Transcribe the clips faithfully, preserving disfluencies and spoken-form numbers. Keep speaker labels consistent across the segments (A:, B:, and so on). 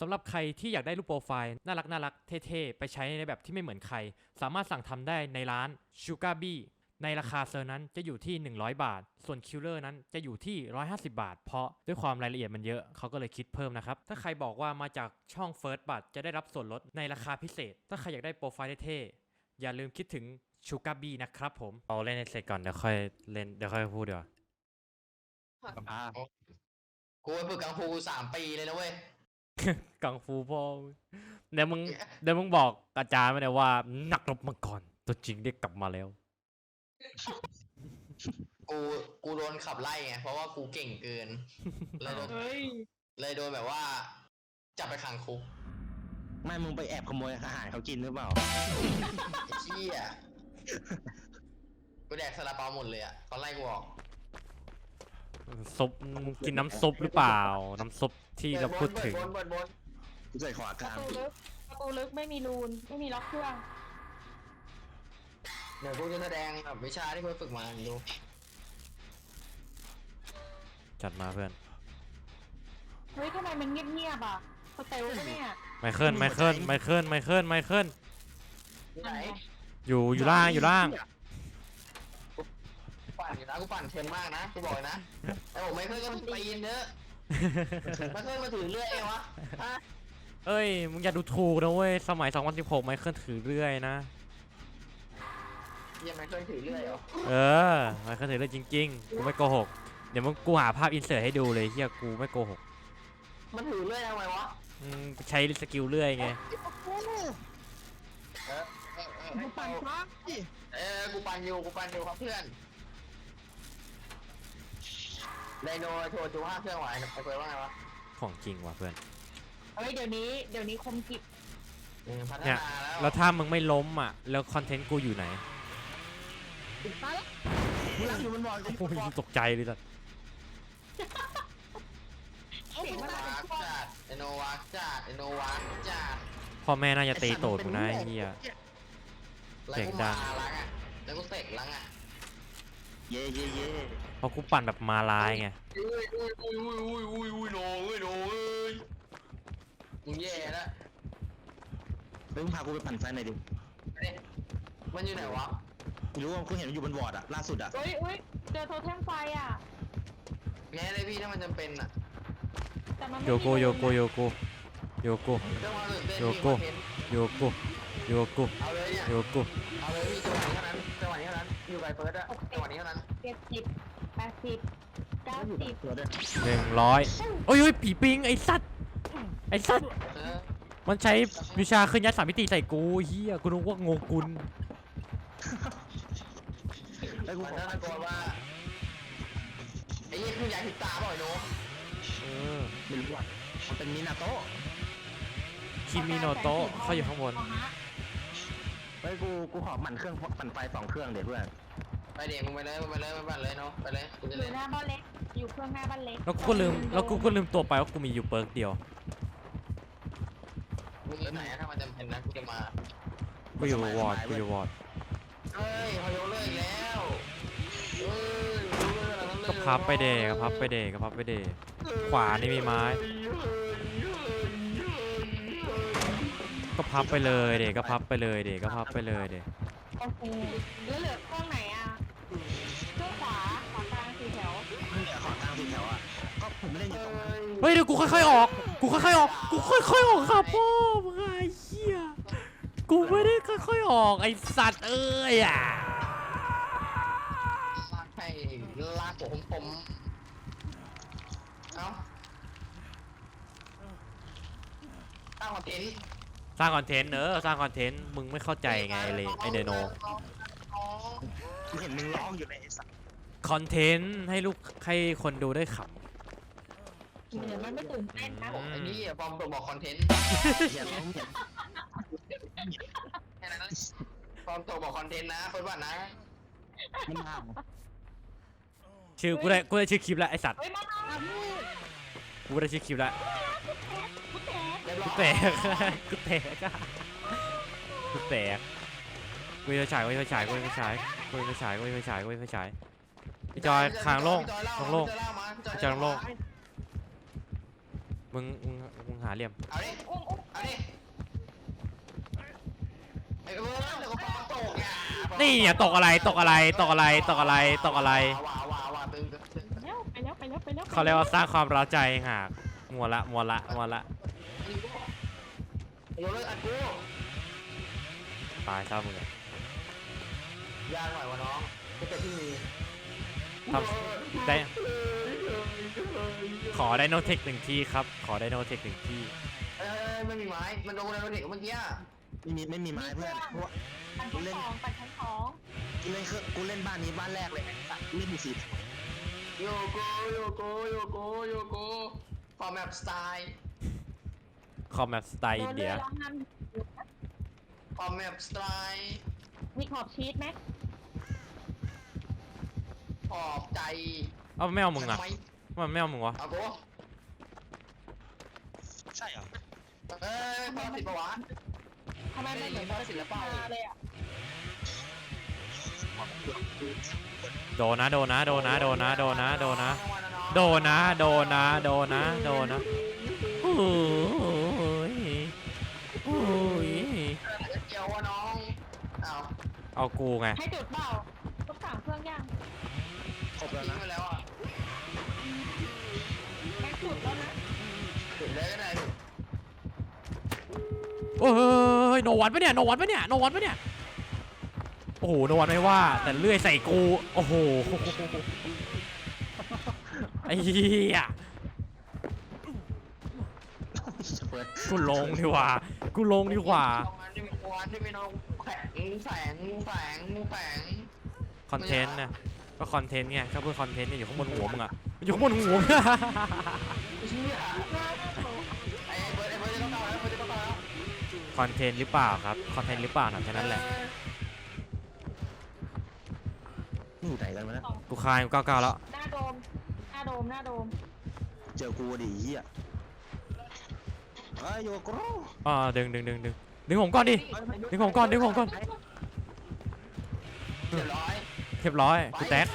A: สำหรับใครที่อยากได้รูปโปรไฟล์น่ารักน่ารักเท่ๆไปใช้ในแบบที่ไม่เหมือนใครสามารถสั่งทำได้ในร้าน Sugar Bee ในราคาเซอร์นั้นจะอยู่ที่หนึ่งร้อยบาทส่วนคิลเลอร์นั้นจะอยู่ที่หนึ่งร้อยห้าสิบบาทเพราะด้วยความรายละเอียดมันเยอะเขาก็เลยคิดเพิ่มนะครับถ้าใครบอกว่ามาจากช่อง First Bud จะได้รับส่วนลดในราคาพิเศษถ้าใครอยากได้โปรไฟล์เท่ๆอย่าลืมคิดถึง Sugar Bee นะครับผมเอาเล่นให้เสร็จก่อนเดี๋ยวค่อยเล่นเดี๋ยวค่อยพูดเดี๋ยว
B: อ่ากูไปฝึกกังฟูสามปีเลยนะเว้ย
A: กังฟูพ่อเดี๋ยวมึงเดี๋ยวมึงบอกอาจารย์มาเลยว่านักรบมังกรตัวจริงได้กลับมาแล้ว
B: กูกูโดนขับไล่ไงเพราะว่ากูเก่งเกินเลยโดนเลยโดนแบบว่าจับไปขังคุก
C: ไม่มึงไปแอบขโมยอาหารเขากินหรือเปล่า
B: ไอ้เชี่ยกูแดกซาลาเปาหมดเลยอ่ะเขาไล่กูออก
A: ซุปกินน้ำซุปหรือเปล่า น้ำซุปที่เราพูดถึง
B: บนบนบน
C: กูใส่ขวากลาง
D: ประตูลึกประตูลึกไม่มีรูนไม่มีล็อกเครื่อง
B: เดี๋ยวกูจะแสดงแบบวิชาที่กูฝึกมาดู
A: จัดมาเพื่อน
D: เฮ้ยทำไมมันเงียบๆอ่ะสเตลปะเนี่ย
A: ไมเคิลไมเคิลไมเคิลไมเคิลไมเคิล
B: ที่ไหน
A: อยู่อยู่ล่างอยู่ล่าง
B: ปั่นอยู่นะกูปั่นเค็มมากนะกูบอกเลยนะไอ้ผมไม่เคยก็ตีนเนอะไม่เคยมาถือเรื่อยเองวะฮะ
A: เอ้ยมึงอย่าดูถูกนะเว้ยสมัยสองพันสิบหกไมเคิลถือเรื่อยนะ
B: ยังไม่เคยถือเรื่อยเหรอ
A: เออไมเคิลถือเรื่อยจริงๆกูไม่โกหกเดี๋ยวมึงกูหาภาพอินเสิร์ตให้ดูเลยเฮียกูไม่โกหก
B: มันถือเรื่อยทำไมวะ
A: อืมใช้สกิลเรื่อยไง
B: เออเออเออ
D: มันปั่นฟ้า
B: เออกูปั่นอยู่กูปั่นอยู่ครับเพื่อนไดโนโชว์จูห้าเครื่องไหวไอ้เพื่อนว่าไงวะ
A: ของจริงว่ะเพื่อน
D: เฮ้ยเดี๋ยวนี้เดี๋ยวนี้คมกิบ
B: อืมพัฒ
A: เนี่ย
B: นาแล้ว
A: แล้วถ้ามึงไม่ล้มอ่ะแล้วคอนเทนต์กูอยู่ไหน
D: ตายแล้ว
C: มึงรักอยู่บนบอล
A: โอ้ยตกใจเลยสัส
D: เสียงมัน
B: วา
D: มา
B: ร์กจัดไดโนวาร์กจัดไดโนวาร์กจัด
A: พ่อแม่น่าจะตีโตดกูนะไอ้เฮีย
B: แล้ว
A: เสียง
B: กู
A: ดั
B: มาง ล้างอ่ะแล้วกูเสกล้างอ่ะ
C: เย่เย่เย่
A: เพราะกูปั่นแบบมาลายไง
B: อุ้ยอุ้ยอุ้ยอุ้ยอุ้ยอุ้ยอุ้ยโน้ยโน้ยมึงแย่แล้ว
C: เฮ้ยมึงพากูไปปั่นไฟหน่อยดิ
B: เอ๊ะมันอยู่ไหนวะ
C: กูรู้ว่ากูเห็นมันอยู่บนบอร์ดอะล่าสุดอะ
D: เฮ้ยเฮ้ยเจอโทเทมไฟอ่ะ
B: แง่เลยพี่ถ้ามันจำเป็นอ่ะ
D: แต่มันไม่
A: โย
D: มี
A: โกโยโกโยโกโยโก
B: เรื่องความตื่นเต้น
A: โย
B: พี่
A: โก้
B: คอนเทนต์
A: โยโกโยโก
B: เอาเลยเนี่ย
A: โยโก
B: เอาเลยพี่จังหวะนี้เท่านั้นจังหวะนี้เท่านั้นอยู่ไกลเฟิร์สอะจังหวะนี้เท่านั้น
D: เจ็ดสิบแปดสิบเก้าสิบ
C: ตัวด้วย
A: หนึ่งร้อยโอ้ยโอ้ยผีปิงไอ้สัตว์ไอ้สัตว์
B: เออ
A: มันใช้วิชาเคลื่อนย้ายสามมิติใส่กูเฮียกูนึกว่าโงกุล
C: ไอ้ยกู
B: มัน
C: ขอ
B: น่าตะโกนว่าไอ้ยี่คือย้ายผิดตาเปล่าไอ้โน้
A: เออ
C: ไม่รู้อะมันเป็นมินาโต้
A: คิมิโนโตะเขาอยู่ข้างบน
D: เอาฮะ
C: เฮ้ยกูกูขอปั่นเครื่องปั่นไฟสองเครื่องเดี๋ยวเพื่อน
B: ไปเดี๋ยวมึงไปเลยมึงไปเลยมึงไปเลยเนาะไปเลยกู
D: อ
B: จะ
D: ยู่
B: เล่น
D: หน้าบ้านเล็กอยู่เครื่องหน้าบ้านเล็ก
A: แล้วกูก็ลืมแล้วกูก็ลืมตัวไปว่ากูมีอยู่เปิร์กเดียว
B: มึงอยู่ไหนอะถ้ามันจำเป็นนะกูจะมา
A: กูอยู่วอร์ดกูอยู่วอร์ด
B: เฮ้ยพอยกเลิกอีกแล้วเฮ้ยยกเลิกอะไรนั้นเลย
A: ก็พับไปเดก็พับไปเดก็พับไปเดขวานี่มีไม้ ก็พับไปเลยเดก็พับไปเลยเดก็พับไปเลยเด
D: โอเคแล้วเหลือเครื่องไหนอ่ะเครื่องขวาขวากลางสี่แถว
C: มึงอย่าขอกลางสี่แถวอะก็ผมเล่นอยู่ตรงนั้น
A: เฮ้ยเดี๋ยวกูค่อยๆออกกูค่อยๆออกกูค่อยๆออกครับพ่อมึงไอ้เหี้ยกูไม่ได้ค่อยๆออกไอ้สัตว์เอ้ยอ่ะ
B: ลากให้ลากผมผมเอ้าตั้งคอนเทนต์
A: สร้างคอนเทนต์เนอะสร้างคอนเทนต์มึงไม่เข้าใจไงเลยไอเดโน
C: กูเห็นมึงร้องอยู่ในไอ้สัตว์
A: คอนเทนต์ให้ลูกให้คนดูได้ข
D: เหมือนมันไม่ตื่นเต้นนะ
B: ไอ้นี่ฟอร์มตัวบอกคอนเทนต์
C: อย่าร้องอย่า
B: แค่นั้นนะฟอร์มตัวบอกคอนเทนต์นะเฟิร์สบัตนะ
C: มันมา
A: ำชื่อกูได้กูได้ชื่อคลิปแล้วไอสัตว์
D: เฮ้ยมามาลูก
A: กูได้ชื่อคลิปแล้ว
D: กูแตก
B: เรียบร้อย
A: กูแตกกูแตกอะกูแตกกูจะฉายกูจะฉายกูจะฉายกูจะฉายกูจะฉายกูจะฉายพี่จอยคางโล่งคางโล่ง
B: พี่จอยเล่ามา
A: พี่จอยโล่ง
B: ม
A: มึงมึงมึงหาเหลี่ยม
B: เอาดิ
D: อุ้มอุ้ม
B: เอาดิไอ้เบิร์ดเดี๋ยวก็ฟ้องตกอ่ะ
A: นี่เนี่ยตกอะไรตกอะไรตกอะไรตกอะไรตกอะไร
B: ว้าวว้าวว้าวตึงตึงตึง
D: ไปแล้วไปแล้วไปแล้วไปแล้ว
A: เขาเรียกว่าสร้างความเร้าใจหากมัวละมัวละมัวละ
B: โยนเลยอัดกู
A: ตายซะมึงอะ
B: ยางหน่อยวะน้องก็จะที่มี
A: ทำได้ขอไดโนเทคหนึ่งที่ครับขอไดโนเทคหนึ่งที่
B: เอ้ยไม่มีไม้มันโดนอะไรเด็กเมื่อกี้
C: ไม่มีไม่มีไม้เพื่อนเพราะว่า
D: ปั่นชั้นสองปั่นชั้นสอง
C: กูเล่นเครื่องกูเล่นบ้านนี้บ้านแรกเลยไอ้สัตว์เล่นมีสี
B: โยโกโยโกโยโกโยโกฟอร์แมปสไตล์
A: คอมแมปสไตล์อินเดีย
D: ร้องน
B: ฟอร์แมปสไตล์
D: ำมีขอบชีสไหม
B: ขอบใจ
A: เอาไม่เอามึงอะ
B: ทำไ
A: มันไม่เอามึงวะ
B: เอากู
C: ใช่เหรอ
B: เอ้ยพอสิบปะวะ
D: ทำไมมันเหมือน
B: ไม่ได้ศิลปะ
D: เลยอ่ะ
A: โดนนะโดนนะโดนนะโดนนะโดนนะโดนนะโดนนะโดนนะโดนนะโดนนะโอ้ยโอ้ย
B: เกี่ยววะน้องเอา
A: เอากูไง
D: ให้จุดเปล่าต้องสั่งเครื่องย่าง
C: ครบแล้ว
B: ทิ้ง
C: นะ
B: ไปแล้วอ่ะ
D: แม็กจุดแล้วนะ
B: ถึงเลยก็ได้
A: โอ้ยโนวันปะเนี่ยโนวันปะเนี่ยโนวันปะเนี่ยโอ้โหโนวันไม่ว่าแต่เลื่อยใส่กูโอ้โหไอ้เหี้ยกูลงดีกว่ากูลงดีกว่า
B: ที่มีวันที่มีน้องแข็งแสงแสงแสง
A: คอนเทนต์นะก็คอนเทนต์ไงก็เพื่อคอนเทนต์เนี่ยอยู่ข้างบนหัวมึงอะมันอยู่ข้างบนหัวมึงอะ
B: เชี่ยไอ้เบิร์ดไอ้เบิร์ดจะเข้าแล้วเบิร์ดจะเข้าแล้ว
A: คอนเทนต์หรือเปล่าครับคอนเทนต์หรือเปล่านะแค่นั้นแหละ
C: นี่อยู่ไหนกันวะเนี่ย
A: กูคายกูเก้าเก้าแล้ว
D: หน้าโดมหน้าโดมหน้าโดม
C: เจอกูดิเฮียเอ้ยโยโกโร่
A: อ่าดึงดึงดึงดึงดึงผมก่อนดิ ดึงผมก่อนดึงผมก่อน
B: เรียบร้อย
A: เรียบร้อยกูแตก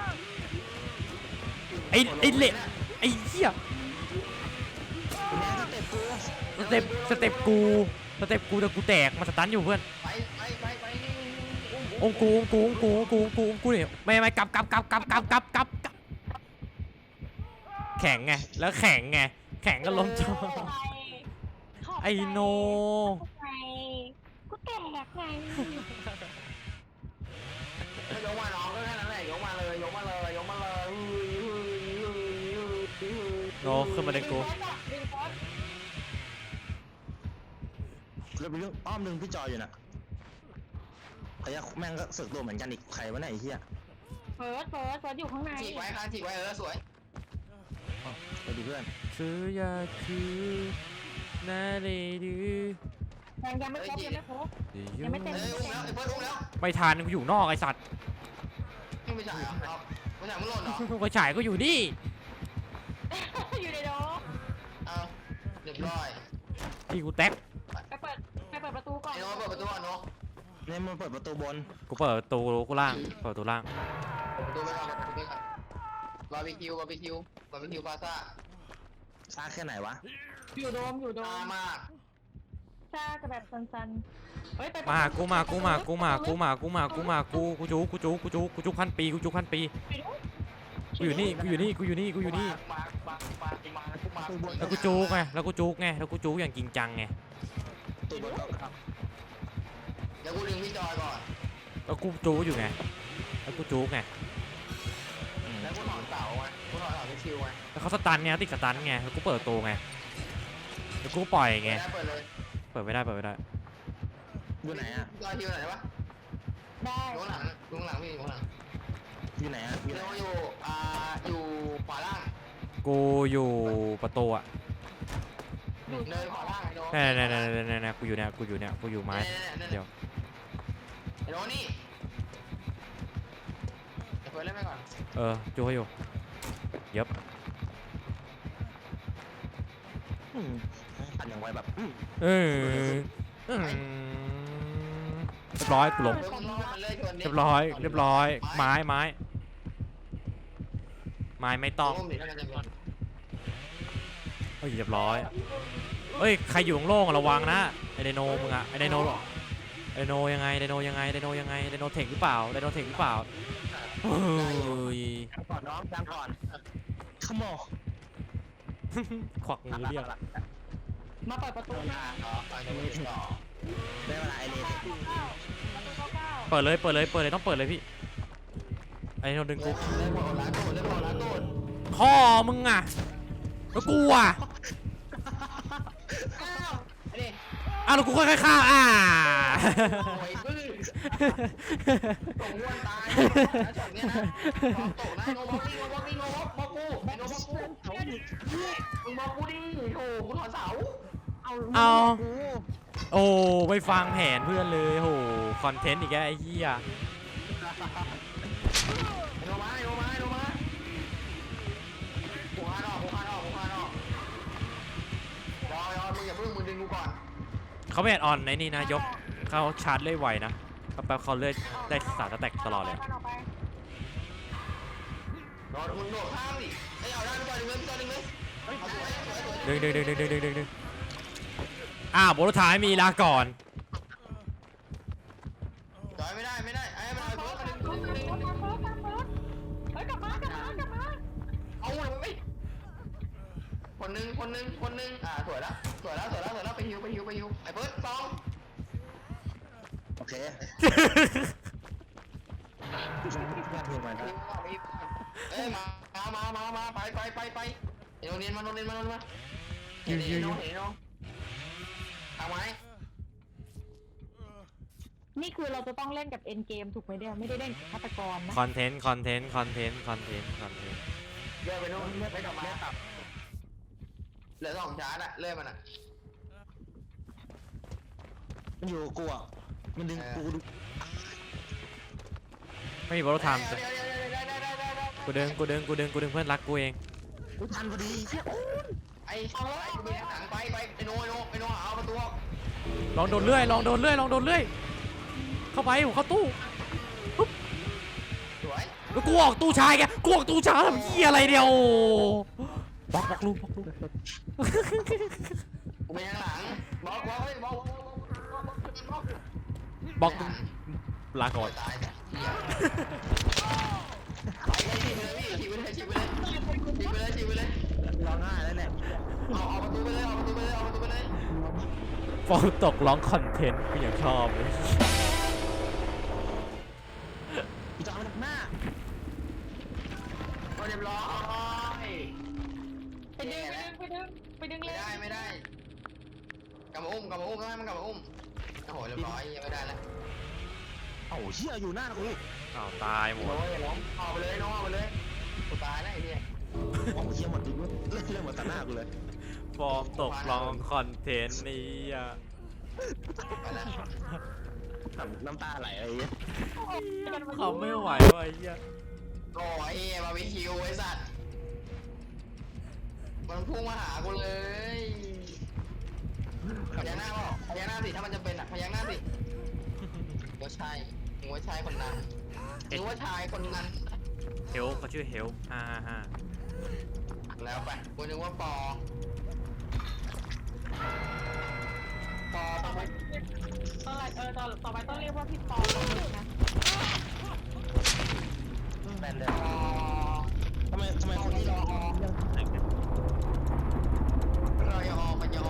A: ไอ้ไอ้เละไอ้เหี้ย
C: แม่สเต็ปกู
A: สเต็ปสเต็ปกูสเต็ปกูแต่กูแตกมาสตันอยู่เพื่อน
B: ไปไปไปไป
A: องกูองกูองกูองกูองกูองกูเนี่ยไม่ไม่กลับกลับกลับกลับกลับกลับกลับกลับแข็งไงแล้วแข็งไงแข็งก็ล้มจอ ไอ้โน
D: ไงกูแตกไง
B: ยกมาน้องก็แค่นั้นแหละยกมาเลยยกมาเลยยกมาเลย
A: โนขึ้นมาเลยกู
D: ดึงโพส
C: เรื่องเรื่องอ้อมหนึ่งพี่จอยอยู่นะไอ้ยะแม่งก็สึกตัวเหมือนกันอีกใครวะเนี่ยไอ้เหี้ย
D: เฟิร์สเฟิร์สเฟิร์สอยู่ข้างใน
B: ฉีกไว้ครับฉีกไว้เออสวย
C: ไปดิเพื่อน
A: ซื้อยาคือนาเลดื้อ
D: ยังยังไม่ครบยังไม่ครบ ยังไม่เต็ม
B: เอ้ยอุ้มแล้วไอ้เบิร์ดอุ้มแล้ว
A: ไม่ทันกูอยู่นอกไอสัตว์
B: ยังไม่จ่ายเหรอครับไม่จ่ายมึงหล่นเหรอ
A: ไปฉายก็อยู่นี่
D: อยู่ในโดม
B: เอาเรียบร้อย
A: ที่กูแตก
D: ไปเปิดไปเปิดประตูก่อน
B: ไอ้น้องเปิดประตูก่อนเนาะ
C: เนี่ยมันเปิดประตูบน
A: กูเปิดประตูกูล่างเปิดประตูล่าง
B: เปิดประตูไปก่อนเปิดประตูไปก่อนบาร์บีคิวบาร์บีคิวบาร์บีคิวพาซ่า
C: ซ่าแค่ไหนวะ
D: อยู่โดมอยู่โด
B: ตาม มาก
D: ซ่าจะแบบสันๆเฮ้ยไป
A: มากูมากูมากูมากูมากูมากูมากูกูจูกูจูกูจูกูจูพันปีกูจูพันปีกูอยู่นี่กูอยู่นี่กูอยู่นี่กูอยู่นี่
B: มามามามามา
C: ประตูบน
A: แล้วกูจูกไงแล้วกูจูกไงแล้วกูจูกอย่างจริงจังไง
C: ประตูบนครับ
B: เดี๋ยวกูดึงพี่จอยก่อน
A: แล้วกูจูกอยู่ไงแล้วกูจูกไง
B: แล้วกูถอนเสาไงกูถอนเสาพี่คิวไง
A: แล้วเขาสตันไงติดสตันไงแล้วกูเปิดประตูไงแล้วกูปล่อยไง
B: เปิดเลย
A: เปิดไม่ได้เปิดไม่ได้
C: อยู่ไหนอ่ะ
B: จอยคิวไหนวะ
D: ได้
B: อยู่ข้างหลังอยู่ข้างหลังพี่อยู่ข้างหลัง
C: อยู่ไหนอ่ะอยู่ไหน
B: เราอยู่อ่าอยู่ขวาล่าง
A: กูอยู่ประตูอะ
B: เดินขวาล่างไอ้โน้
A: เนี่ยเนี่ยเนี่ยเนี่ยเนี่ยกูอยู่เนี่ยกูอยู่เนี่ยกูอยู่ไม้เดี๋ยว
B: ไอ้โน้นี่เดี๋ยวเปิดเล่นไปก่อน
A: เออจูให้อยู่เย็บ
C: อืมปั่นอย่างไวแบบอืม
A: เอออืมเรียบร้อยกูล้ม
B: เดี๋ยวมึงรอมันเลยชนดิ
A: เรียบร้อยเรียบร้อยไม้ไม้ไม้ไม่ต้อง
B: โอ้มดิถ้ามันจะโดน
A: ฮ้ยเรียบร้อยเฮ้ยใครอยู่โล่งๆอะระวังนะไอไดโนมึงอะไอไดโนไดโนยังไงไดโนยังไงไดโนยังไงไดโนเทคหรือเปล่าไดโนเทคหรือเปล่าเฮ้ย
C: ก่อนน้องกลางก่อนขโมย
A: ควักมือเรียก
D: มาเปิดประตูหน้า
B: ต่อไปไม่ได้ต่อ
C: ได้เวลาไอเลน
D: ประตูเก้าประตูเก้าเก้า
A: เปิดเลยเปิดเลยเปิดเลยต้องเปิดเลยพี่ไอไดโนดึงกู
B: เล่นบอลล้าโดดเล่นบอลล้าโดด
A: พ่อมึงอะแล้วกูอะ
B: อ้าวไอ้นี่
A: อ้าวแล้วกูค่อยๆฆ่าอ่า
B: โอ้ยบื้อส่งอ้วนตายนะช็อตเนี้ยนะบอกตกนะโนบอกนี่โนบอกนี่โนบอกบอกกูไอ้โนบอกกูมึงบอกกูดิโอ้กูถอนเสา
D: เอา
A: เอา
D: กู
A: โอ้ไม่ฟังแผนเพื่อนเลยโหคอนเทนต์อีกแล้วไอ้เหี้ย
B: ไอ้โนมาไอ้โนมาไอ้โนมากูฆ่าดอกกูฆ่าดอกกูฆ่าดอกรอรอมึงอย่าเพิ่งมึงดึงกูก่อน
A: เขาไม่แอดออนในนี่นะยกเขาชาร์จเลื่อยไวนะแป๊บๆเขาเลื่อยได้สามสแต็กตลอดเลย
D: เอาไป
B: รอมึงโดดข้ามดิไอ้เอาได้ไปดึงเลยไปดึงเลยเอาสวยสวยสวย
A: ดึงดึงดึงดึงดึงดึงดึงดึงอ้าวบทท้ายมีลาก่อน
B: จอยไม่ได้ไม่ได้ไอ้มันเอา
D: เปิ
B: เพิ่
D: ด
B: ม
D: เปิ
B: มา
D: ด
B: ดึง
D: เปิ
B: ดึ
D: ด
B: ง
D: เปิดเปิดเฮ้ยกลับมากลับมากลับมา
B: เอาเลยไม่คนนึงคนนึงคนนึงอ่าสวยแล้วสวยแล้วสวยแล้วสวยแล้วไปฮิวไปฮิวไปฮิวไอ้เบิร์ดสอง
C: โอเคแยกเพลงมาครับ
B: เอ้ยมามามามาไปไปไปไปเดี๋ยวเรียนมาโรงเรียนมาโรงเรียนมาเดี๋ยวเดี๋ยวเดี๋ยวเดี๋ยวทำไม
D: นี่คือเราจะต้องเล่นกับเอ็นเกมถูกไหมเนี่ยไม่ได้เล่นกับฆาตกรนะ
A: คอนเทนต์คอนเทนต์คอนเทนต์คอนเทนต์คอนเทนต์
B: เลื่อนไปโน่นเลื่อนไปกลับมาเหลือสองชาร์จอะเลื่อนมันอะ
C: มันอยู่กับกูอ่ะมันดึงกูดู
A: ไม่มีบททาม
B: เดี๋ยวเดี๋ยวเดี๋ยวเดี๋ยวเดี๋ยวเดี๋ยวเดี๋ยวเดี๋ยว
A: กูดึงกูดึงกูดึงกูดึงเพื่อนรักกูเอง
C: กูทันพอดีเชี่ยโอ้ย
B: ไอ้ไอ้กูมีหนังไปไปไอ้โน่ไอ้โน่ไอ้โน่หาประตู
A: ลองโดนเลื่อยลองโดนเลื่อยลองโดนเลื่อยเข้าไปผมเข้าตู้
B: สวย
A: แล้วกูออกตู้ชายแกกูออกตู้ชายทำเหี้ยอะไรเดียวบล็อกบล็อกลูกบล็อกลูก
B: กูมีหลังบล็อกบล็อกเฮ้ยบล็อก
A: บล็อกลาก่อน
B: ตายเหี้ยไปเลยฉีกไปเลยพี่ฉีกไปเลยฉีกไปเลยฉีกไปเลยฉีกไปเลย
C: ร้องไห้แล้วเนี่ย
B: เอาเอาประตูไปเลยเอาประตูไปเลยเอาประตูไปเลย
A: ฟองตกร้องคอนเทนต์กูยังชอบเลย
C: พี่จอยมาจากหน้า
B: เรียบร้อย
D: ไปดึงไปดึงไปดึงไปดึงเล
B: ไม่
D: ย
B: ได้ไม่ได้กลับมาอุ้มกลับมาอุ้มต้องให้มันกลับมาอุ้มโอ้โหเรียบร้อยยังไม่ได้แล้ว
C: เอ้าเชี่ยอยู่หน้ากู
A: อ้าวตายหมด
B: โอ้ยล้มเอาไปเลยน้องเอาไปเลยกูตายแล้วไอ้เนี่ย
C: โอ้เชี่ยหมดดิเล่นเล่นหมดต่อหน้ากูเลย
A: ฟองตกร้องคอนเทนต์นี่อ่ะ
B: ไปแล้ว
C: น้ำตาไหลอะไรเงี้ย
A: เขาไม่ไหวว่ะไอ้เหี้ย
B: โอ้ยบาร์บีคิวไอ้สัตว์มันพุ่งมาหากูเลยพยักหน้าเปล่าพยักหน้าสิถ้ามันจะเป็นอ่ะพยักหน้าสิว่าใช่มึงว่าใช่คนนั้นมึงว่าชายคนนั้น
A: เฮลเขาชื่อเฮลฮ่าฮ่าฮ่า
B: แล้วไปกูนึกว่าปอปอ
D: ต่อไปต่อเออต่อต่อไปต้องเรียกว่าพี่ปอนะ
C: แบนเลย
B: ปอ
C: ทำไมทำไมคนที่รอเรื่องแต่งเนี่ย
B: รอยอปัญญา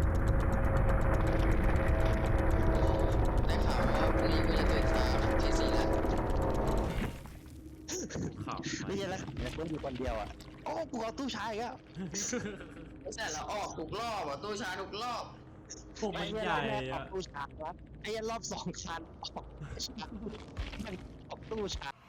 B: ได้ข่าวว่าพรุ่งนี้กูจะตื่นเช้าที่สี่แล้ว
A: ข่าว
C: ไม่ใช่แล้วเนี่ยคนอยู่คนเดียวอ่ะโอ้กูเอาตู้ชายอีกแล้ว
B: ไม่ใช่เราออกทุกรอบอ่ะตู้ชาทุกรอบ
A: พวกมันใหญ่
C: ออ
A: อะ
C: กตู้ชายครับไอ้ยันรอบสองคันออกมันออกตู้ชาย